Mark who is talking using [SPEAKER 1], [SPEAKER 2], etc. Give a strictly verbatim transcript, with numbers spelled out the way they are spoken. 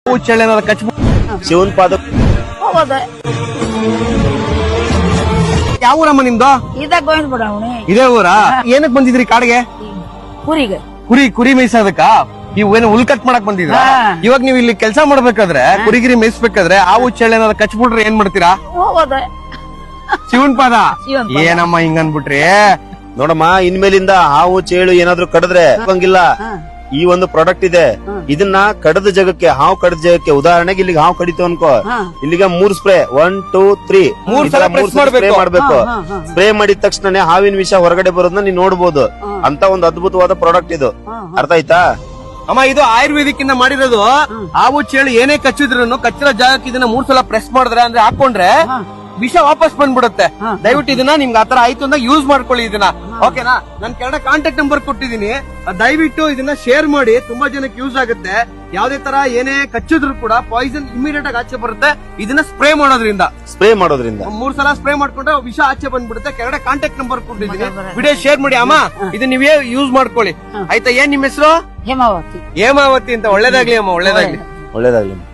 [SPEAKER 1] ಚಳ್ಳೆ ಕಚ್
[SPEAKER 2] ಶಿವನ್ ಪಾದ
[SPEAKER 3] ಹೋಗೋದ
[SPEAKER 1] ಯಾವ ಊರಮ್ಮ ನಿಮ್ದು?
[SPEAKER 3] ಇದಾಗ ಗೋವಿಂದ ಬಿಡವಣಿ
[SPEAKER 1] ಇದೇ ಊರಾ? ಏನಕ್ ಬಂದಿದ್ರಿ ಕಾಡಿಗೆ?
[SPEAKER 3] ಕುರಿಗೆ
[SPEAKER 1] ಕುರಿ ಕುರಿ ಮೇಯ್ಸೋದಕ್ಕ? ನೀವು ಏನು ಹುಲ್ ಕಟ್ ಮಾಡಕ್ ಬಂದಿದ್ರ?
[SPEAKER 3] ಹಾ.
[SPEAKER 1] ಇವಾಗ ನೀವು ಇಲ್ಲಿ ಕೆಲಸ ಮಾಡ್ಬೇಕಾದ್ರೆ ಕುರಿಗಿರಿ ಮೇಯಿಸ್ಬೇಕಾದ್ರೆ ಹಾವು ಚಳ್ಳೆ ಏನಾದ್ರು ಕಚ್ಬಿಟ್ರೆ ಏನ್ ಮಾಡ್ತೀರಾ?
[SPEAKER 3] ಹೋಗೋದ
[SPEAKER 1] ಶಿವನ್ ಪಾದ
[SPEAKER 3] ಶಿವನ್ ಪಾದ.
[SPEAKER 1] ಏನಮ್ಮ ಹಿಂಗ ಅನ್ಬಿಟ್ರಿ?
[SPEAKER 2] ನೋಡಮ್ಮ ಇನ್ಮೇಲಿಂದ ಹಾವು ಚೇಳು ಏನಾದ್ರು ಕಡಿದ್ರೆ ಹೋಗಂಗಿಲ್ಲ. ಈ ಒಂದು ಪ್ರಾಡಕ್ಟ್ ಇದೆ, ಇದನ್ನ ಕಡದ ಜಾಗಕ್ಕೆ ಹಾವು ಕಡದ ಜಾಗಕ್ಕೆ, ಉದಾಹರಣೆಗೆ ಇಲ್ಲಿಗೆ ಹಾವು ಕಡಿತು ಅನ್ಕೋ, ಇಲ್ಲಿಗೆ ಮೂರ್ ಸ್ಪ್ರೇ ಒನ್ ಟೂ ತ್ರೀ
[SPEAKER 1] ಮೂರ್ ಸಲ press
[SPEAKER 2] ಸ್ಪ್ರೇ
[SPEAKER 1] ಮಾಡ್ಬೇಕು.
[SPEAKER 2] ಮಾಡ್ಬೇಕು. ಸ್ಪ್ರೇ ಮಾಡಿದ ತಕ್ಷಣ ಹಾವಿನ ವಿಷ ಹೊರಗಡೆ ಬರೋದನ್ನ ನೀನ್ ನೋಡ್ಬೋದು. ಅಂತ ಒಂದು ಅದ್ಭುತವಾದ ಪ್ರಾಡಕ್ಟ್ ಇದು, ಅರ್ಥ ಆಯ್ತಾ?
[SPEAKER 1] ಅಮ್ಮ ಇದು ಆಯುರ್ವೇದಿಕ್ ಇಂದ ಮಾಡಿರೋದು. ಹಾವು ಚೇಳು ಏನೇ ಕಚ್ಚಿದ್ರು ಕಚ್ಚಿರೋ ಜಾಗಕ್ಕೆ ಇದನ್ನ ಮೂರ್ ಸಲ ಪ್ರೆಸ್ ಮಾಡಿದ್ರೆ ಅಂದ್ರೆ ಹಾಕೊಂಡ್ರೆ ವಿಷ ವಾಪಸ್ ಬಂದ್ಬಿಡುತ್ತೆ. ದಯವಿಟ್ಟು ಇದನ್ನ ನಿಮ್ಗೆ ಆತರ ಆಯ್ತು ಅಂದಾಗ ಯೂಸ್ ಮಾಡ್ಕೊಳ್ಳಿ ಇದನ್ನ, ಓಕೆನಾ? ನನ್ ಕೆಳಗಡೆ ಕಾಂಟ್ಯಾಕ್ಟ್ ನಂಬರ್ ಕೊಟ್ಟಿದೀನಿ, ದಯವಿಟ್ಟು ಇದನ್ನ ಶೇರ್ ಮಾಡಿ, ತುಂಬಾ ಜನಕ್ಕೆ ಯೂಸ್ ಆಗುತ್ತೆ. ಯಾವ್ದೇ ತರ ಏನೇ ಕಚ್ಚಿದ್ರು ಕೂಡ ಪಾಯ್ಸನ್ ಇಮಿಡಿಯೇಟ್ ಆಗಿ ಆಚೆ ಬರುತ್ತೆ ಇದನ್ನ ಸ್ಪ್ರೇ ಮಾಡೋದ್ರಿಂದ.
[SPEAKER 2] ಸ್ಪ್ರೇ ಮಾಡೋದ್ರಿಂದ
[SPEAKER 1] ಮೂರ್ ಸಲ ಸ್ಪ್ರೇ ಮಾಡ್ಕೊಂಡ್ರೆ ವಿಷ ಆಚೆ ಬಂದ್ಬಿಡುತ್ತೆ. ಕೆಳಗಡೆ ಕಾಂಟ್ಯಾಕ್ಟ್ ನಂಬರ್ ಕೊಟ್ಟಿದ್ದೀನಿ, ವಿಡಿಯೋ ಶೇರ್ ಮಾಡಿ ಅಮ್ಮ, ಇದನ್ನ ನೀವೇ ಯೂಸ್ ಮಾಡ್ಕೊಳ್ಳಿ ಆಯ್ತಾ? ಏನ್ ನಿಮ್ ಹೆಸರು?
[SPEAKER 3] ಹೇಮಾವತಿ
[SPEAKER 1] ಹೇಮಾವತಿ ಅಂತ. ಒಳ್ಳೇದಾಗ್ಲಿ ಅಮ್ಮ, ಒಳ್ಳೇದಾಗ್ಲಿ.
[SPEAKER 2] ಒಳ್ಳೇದಾಗ್ಲಿ.